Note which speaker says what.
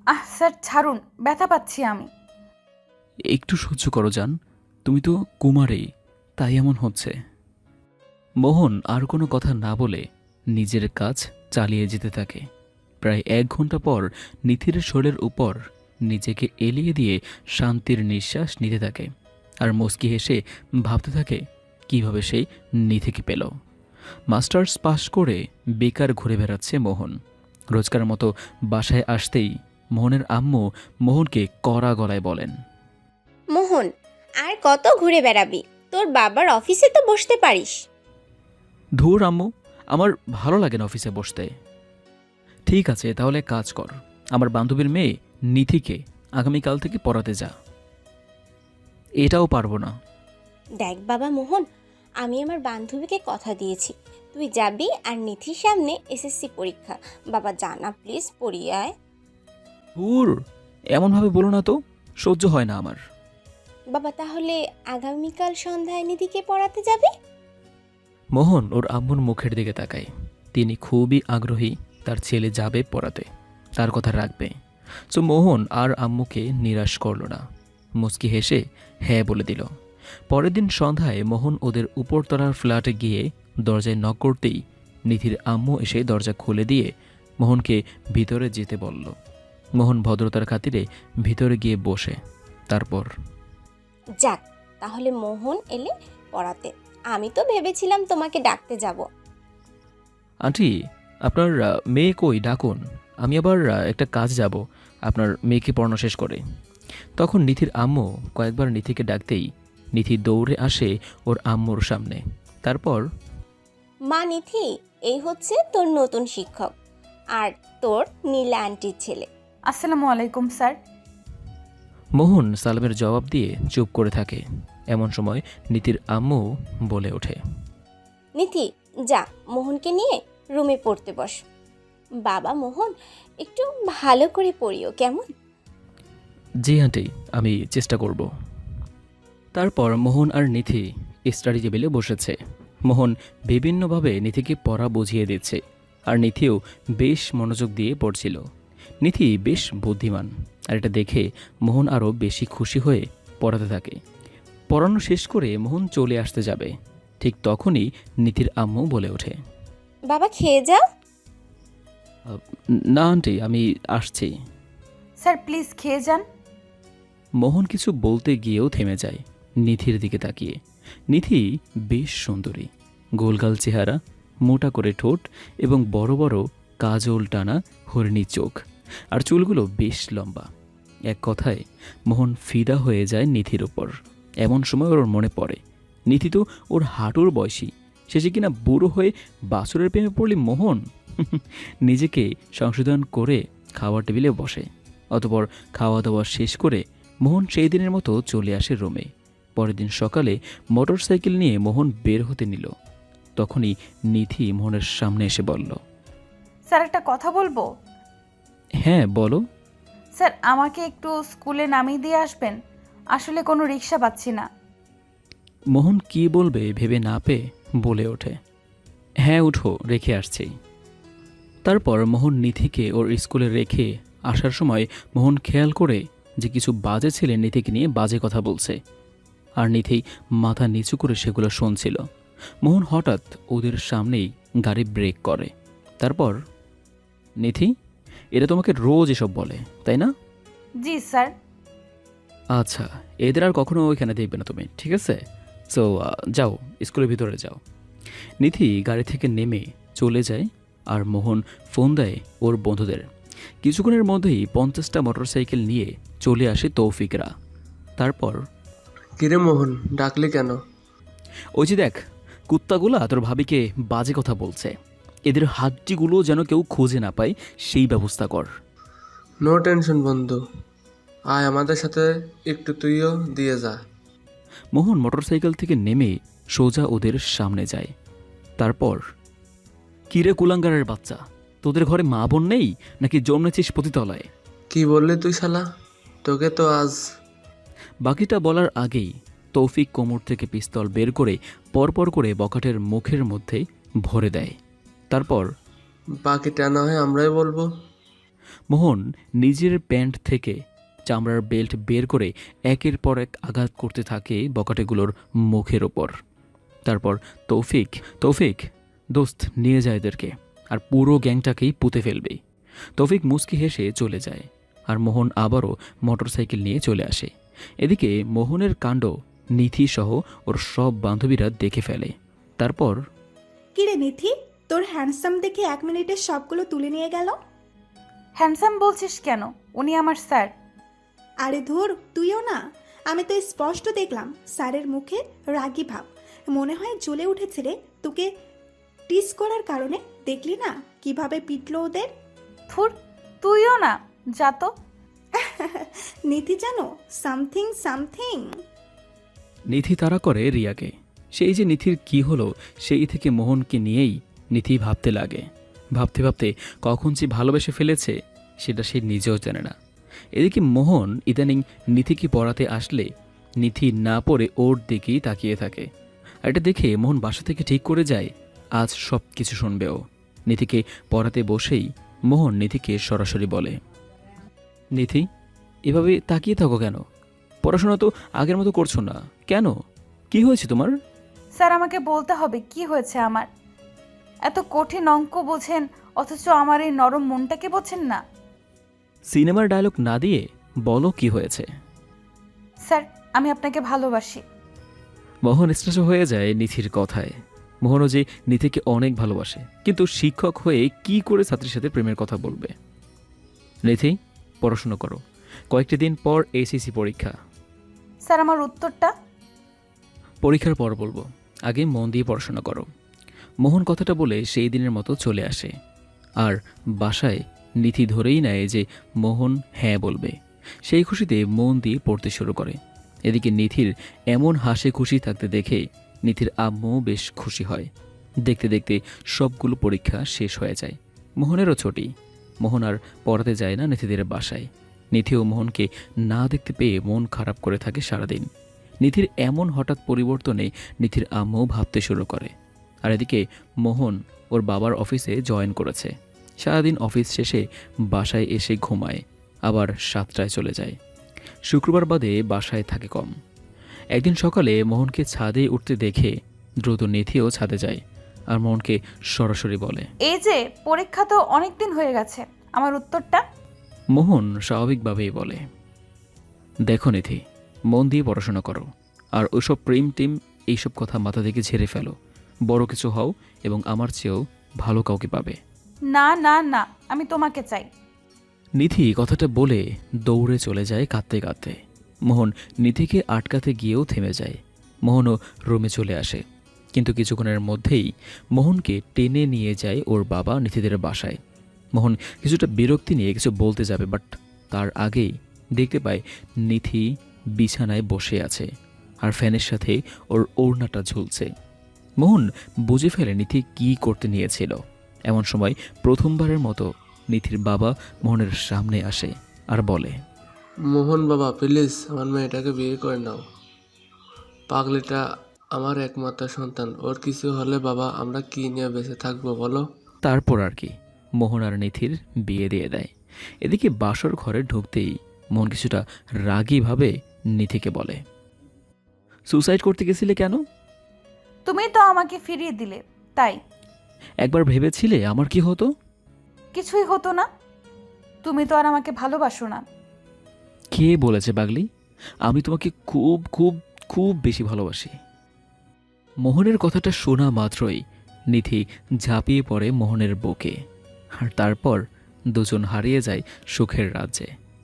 Speaker 1: Sir ছাড়ুন, ব্যথা পাচ্ছি আমি।
Speaker 2: একটু সহ্য করো জান, তুমি তো কুমারী, তাই এমন হচ্ছে। মোহন আর কোনো কথা না বলে নিজের কাজ চালিয়ে যেতে থাকে। প্রায় 1 ঘন্টা পর নিথির শরীরের উপর নিজেকে এলিয়ে দিয়ে শান্তির নিঃশ্বাস নিতে থাকে আর মুচকি হেসে ভাবতে থাকে কিভাবে সেই নিধিকে পেল। মাস্টার্স পাশ করে বেকার ঘুরে বেড়াচ্ছে মোহন। রোজকার মতো বাসায় আসতেই মোহনের আম্মু মোহনকে কড়া গলায় বলেন,
Speaker 3: মোহন, আর কত ঘুরে বেড়াবি? তোর বাবার অফিসে তো বসতে পারিস।
Speaker 2: ধুর আম্মু, আমার ভালো লাগে না অফিসে বসতে। ঠিক আছে, তাহলে কাজ কর, আমার বান্ধবীর মেয়ে নিধিকে আগামীকাল থেকে পড়াতে যা। এটাও পারবো না।
Speaker 3: দেখ বাবা মোহন, আমি আমার বান্ধবীকে কথা দিয়েছি, তুই যাবি আর নিধির সামনে এসএসসি পরীক্ষা। বাবা জানা প্লিজ, পড়িয়ে আয়।
Speaker 2: ধুর, এমনভাবে বলো না তো, সহ্য হয় না আমার।
Speaker 3: বাবা তাহলে আগামীকাল সন্ধ্যায় নিধিকে পড়াতে যাবি?
Speaker 2: মোহন ওর আম্মুর মুখের দিকে তাকায়। তিনি খুবই আগ্রহী তার ছেলে যাবে পড়াতে, তার কথা রাখবে। সো মোহন আর আম্মুকে নিরাশ করল না, মুচকি হেসে হ্যাঁ বলে দিল। পরের দিন সন্ধ্যায় মোহন ওদের উপরতলার ফ্ল্যাটে গিয়ে দরজায় নক করতেই নিধির আম্মু এসে দরজা খুলে দিয়ে মোহনকে ভিতরে যেতে বলল। মোহন ভদ্রতার খাতিরে ভিতরে গিয়ে বসে। তারপর,
Speaker 3: যাক, তাহলে মোহন এলে পড়াতে। আমি তো ভেবেছিলাম তোমাকে ডাকতে যাব।
Speaker 2: আন্টি, আপনার মেয়ে কই, ডাকুন, আমি আবার একটা কাজ যাব আপনার মেয়েকে পড়ানো শেষ করে। তখন নিধির আম্মু কয়েকবার নিধিকে ডাকতেই নিধি দৌড়ে আসে ওর আম্মুর সামনে। তারপর,
Speaker 3: মা নিধি, এই হচ্ছে তোর নতুন শিক্ষক আর তোর নীলা আন্টির ছেলে।
Speaker 1: আসসালামু আলাইকুম স্যার।
Speaker 2: মোহন সালামের জবাব দিয়ে চুপ করে থাকে। এমন সময় নিধির আম্মু বলে ওঠে,
Speaker 3: নিধি, যা মোহনকে নিয়ে রুমে পড়তে বস। বাবা মোহন, একটু ভালো করে পড়িও কেমন?
Speaker 2: জি আন্টি, আমি চেষ্টা করব। তারপর মোহন আর নিধি স্টাডি টেবিলে বসেছে। মোহন বিভিন্নভাবে নিধিকে পড়া বুঝিয়ে দিচ্ছে আর নিধিও বেশ মনোযোগ দিয়ে পড়ছিল। নিধি বেশ বুদ্ধিমান, আর এটা দেখে মোহন আরও বেশি খুশি হয়ে পড়াতে থাকে। পড়ানো শেষ করে মোহন চলে আসতে যাবে, ঠিক তখনই নিধির আম্মু বলে ওঠে,
Speaker 3: বাবা খেয়ে যাও।
Speaker 2: না আন্টি, আমি আসছি।
Speaker 1: স্যার প্লিজ খেয়ে যান।
Speaker 2: মোহন কিছু বলতে গিয়েও থেমে যায় নিধির দিকে তাকিয়ে। নিধি বেশ সুন্দরী, গোলগাল চেহারা, মোটা করে ঠোঁট এবং বড় বড় কাজল টানা হরিণী চোখ, আর চুলগুলো বেশ লম্বা। এক কথায় মোহন ফিদা হয়ে যায় নিধির ওপর। এমন সময় ওর মনে পড়ে নিধি তো ওর হাঁটুর বয়সী, শেষে কিনা বুড়ো হয়ে বাছুরের প্রেমে পড়লি মোহন। নিজেকে সংশোধন করে খাওয়ার টেবিলে বসে। অতপর খাওয়া দাওয়া শেষ করে মোহন সেই দিনের মতো চলে আসে রুমে। পরের দিন সকালে মোটরসাইকেল নিয়ে মোহন বের হতে নিল। তখনই নিধি মোহনের সামনে এসে বলল,
Speaker 1: স্যার একটা কথা বলবো।
Speaker 2: হ্যাঁ বলো।
Speaker 1: স্যার আমাকে একটু স্কুলে নামিয়ে দিয়ে আসবেন, আসলে কোনো রিক্সা পাচ্ছি না।
Speaker 2: মোহন কি বলবে ভেবে না পেয়ে বলে ওঠে, হ্যাঁ উঠো, রেখে আসছি। তারপর মোহন নিধিকে ওর স্কুলে রেখে আসার সময় মোহন খেয়াল করে যে কিছু বাজে ছেলে নিধিকে নিয়ে বাজে কথা বলছে, আর নিধি মাথা নিচু করে সেগুলো শুনছিল। মোহন হঠাৎ ওদের সামনেই গাড়ি ব্রেক করে। তারপর, নিধি, এরা তোমাকে রোজ এসব বলে তাই না?
Speaker 1: জি স্যার।
Speaker 2: আচ্ছা, এদের আর কখনো ওইখানে দেখবে না তুমি, ঠিক আছে? সো যাও, স্কুলের ভিতরে যাও। নিধি গাড়ি থেকে নেমে চলে যায় আর মোহন ফোন দেয় ওর বন্ধুদের। কিছুক্ষণের মধ্যেই 50টা মোটরসাইকেল নিয়ে চলে আসে তৌফিকরা। তারপর,
Speaker 4: কিরে মোহন, ডাকলি কেন?
Speaker 2: ওই যে দেখ, কুত্তাগুলা তোর ভাবিকে বাজে কথা বলছে, এদের হাড্ডিগুলো যেন কেউ খুঁজে না পায় সেই ব্যবস্থা কর।
Speaker 4: নো টেনশন বন্ধু, আয় আমাদের সাথে একটু তুইও দিয়ে যা।
Speaker 2: মোহন মোটরসাইকেল থেকে নেমে সোজা ওদের সামনে যায়। তারপর, কিরে কুলাঙ্গারের বাচ্চা, তোদের ঘরে মা বোন নেই নাকি জন্মেছিস পতিতলায়?
Speaker 4: কি বললি তুই শালা? তোকে তো আজ।
Speaker 2: বাকিটা বলার আগেই তৌফিক কোমর থেকে পিস্তল বের করে পরপর করে বখাটের মুখের মধ্যে ভরে দেয়। তারপর,
Speaker 4: বাকিটা না হয় আমরাই বলবো।
Speaker 2: মোহন নিজের প্যান্ট থেকে চামড়ার বেল্ট বের করে একের পর এক আঘাত করতে থাকে বকাটেগুলোর মুখের ওপর। তারপর তৌফিক তৌফিক দোস্ত নিয়ে যায় এদেরকে, আর পুরো গ্যাংটাকেই পুঁতে ফেলবে। তৌফিক মুচকি হেসে চলে যায়, আর মোহন আবারও মোটরসাইকেল নিয়ে চলে আসে। এদিকে মোহনের কাণ্ড নিথি সহ ওর সব বান্ধবীরা দেখে ফেলে। তারপর
Speaker 5: কিরে নিথি, তোর হ্যান্ডসাম দেখে 1 মিনিটে সবগুলো তুলে নিয়ে গেল।
Speaker 1: হ্যান্ডসাম বলছিস কেন? উনি আমার স্যার।
Speaker 5: আরে ধুর, তুইও না। আমি তো স্পষ্ট দেখলাম স্যারের মুখে রাগী ভাব। মনে হয় জ্বলে উঠেছে রে তোকে টিস করার কারণে। দেখলি না কিভাবে পিটলো ওদের।
Speaker 1: থুর, তুইও না, যা তো।
Speaker 5: নিথি জানো সামথিং সামথিং।
Speaker 2: নিথি তাড়া করে রিয়াকে। সেই যে নিথির কি হলো, সেই থেকে মোহনকে নিয়েই নিথি ভাবতে লাগে। ভাবতে ভাবতে কখন যে ভালোবেসে ফেলেছে সেটা সে নিজেও জানে না। এদিকে মোহন ইদানিং নিথিকে পড়াতে আসলে নিথি না পড়ে ওর দিকেই তাকিয়ে থাকে। আর এটা দেখে মোহন বাসা থেকে ঠিক করে যায় আজ সব কিছু শুনবে ও। নিথিকে পড়াতে বসেই মোহন নিথিকে সরাসরি বলে, নিথি এভাবে তাকিয়ে থাকো কেন? পড়াশোনা তো আগের মতো করছো না কেন? কি হয়েছে তোমার?
Speaker 1: স্যার, আমাকে বলতে হবে কি হয়েছে আমার। এত কঠিন অঙ্ক বোঝেন অথচ আমার এই নরম মনটাকে বোঝেন না।
Speaker 2: সিনেমার ডায়লগ না দিয়ে বলো কি হয়েছে।
Speaker 1: স্যার, আমি আপনাকে ভালোবাসি।
Speaker 2: মোহন স্ট্রেস হয়ে যায় নিথির কথায়। মোহনও যে নিথিকে অনেক ভালোবাসে, কিন্তু শিক্ষক হয়ে কি করে ছাত্রীর সাথে প্রেমের কথা বলবে? নিথি পড়াশোনা করো, কয়েকটি দিন পর এসএসসি পরীক্ষা।
Speaker 1: স্যার, আমার উত্তরটা?
Speaker 2: পরীক্ষার পর বলবো, আগে মন দিয়ে পড়াশোনা করো। মোহন কথাটা বলে সেই দিনের মতো চলে আসে। আর বাসায় নিথি ধরেই নেয় যে মোহন হ্যাঁ বলবে। সেই খুশিতে মন দিয়ে পড়তে শুরু করে। এদিকে নিথির এমন হাসি খুশি থাকতে দেখে নিথির আম্মুও বেশ খুশি হয়। দেখতে দেখতে সবগুলো পরীক্ষা শেষ হয়ে যায়। মোহনেরও ছুটি। মোহন আর পড়াতে যায় না নিথিদের বাসায়। নিথি ও মোহনকে না দেখতে পেয়ে মন খারাপ করে থাকে সারাদিন। নিথির এমন হঠাৎ পরিবর্তনে নিথির আম্মু ভাবতে শুরু করে। আর এদিকে মোহন ওর বাবার অফিসে জয়েন করেছে। সারাদিন অফিস শেষে বাসায় এসে ঘুমায়, আবার 7টায় চলে যায়। শুক্রবার বাদে বাসায় থাকে কম। একদিন সকালে মোহনকে ছাদে উঠতে দেখে দ্রুত নিথিও ছাদে যায়, আর মোহনকে সরাসরি বলে,
Speaker 1: এই যে পরীক্ষা তো অনেক দিন হয়ে গেছে, আমার উত্তরটা?
Speaker 2: মোহন স্বাভাবিকভাবেই বলে, দেখো নিথি, মন দিয়ে পড়াশোনা করো, আর ওইসব প্রেম টিম এইসব কথা মাথা থেকে ঝেড়ে ফেলো। বড় কিছু হও এবং আমার চেয়েও ভালো কাউকে পাবে।
Speaker 1: না না না, আমি তোমাকে চাই।
Speaker 2: নিথি কথাটা বলে দৌড়ে চলে যায় কাঁদতে কাঁদতে। মোহন নিথিকে আটকাতে গিয়েও থেমে যায়। মোহনও রুমে চলে আসে, কিন্তু কিছুক্ষণের মধ্যেই মোহনকে টেনে নিয়ে যায় ওর বাবা নিথিদের বাসায়। মোহন কিছুটা বিরক্তি নিয়ে কিছু বলতে যাবে, বাট তার আগেই দেখতে পায় নিথি বিছানায় বসে আছে, আর ফ্যানের সাথে ওর ওড়নাটা ঝুলছে। মোহন বুঝে ফেলে নিথি কি করতে নিয়েছিল। এমন সময় প্রথমবারের মতো নিথির বাবা মোহনের সামনে আসে আর বলে,
Speaker 4: মোহন বাবা, প্লিজ আমার মেয়েটাকে বিয়ে করে নাও। পাগলিটা আমার একমাত্র সন্তান, ওর কিছু হলে বাবা আমরা কি নিয়ে বেঁচে থাকবো বলো?
Speaker 2: তারপর আর কি, মোহন আর নিথির বিয়ে দিয়ে দেয়। এদিকে বাসর ঘরে ঢুকতেই মোহন কিছুটা রাগীভাবে নিথিকে বলে, সুসাইড করতে গেছিলে কেন?
Speaker 1: তুমি তো আমাকে ফিরিয়ে দিলে, তাই।
Speaker 2: একবার ভেবেছিলে আমার কি হতো?
Speaker 1: কিছুই হতো না। তুমি তো আর আমাকে ভালোবাসো না।
Speaker 2: কে বলেছে পাগলি? আমি তোমাকে খুব খুব খুব বেশি ভালোবাসি। মোহনের কথাটা শোনা মাত্রই নিথি ঝাঁপিয়ে পড়ে মোহনের বুকে, আর তারপর দুজন হারিয়ে যায় সুখের রাজ্যে।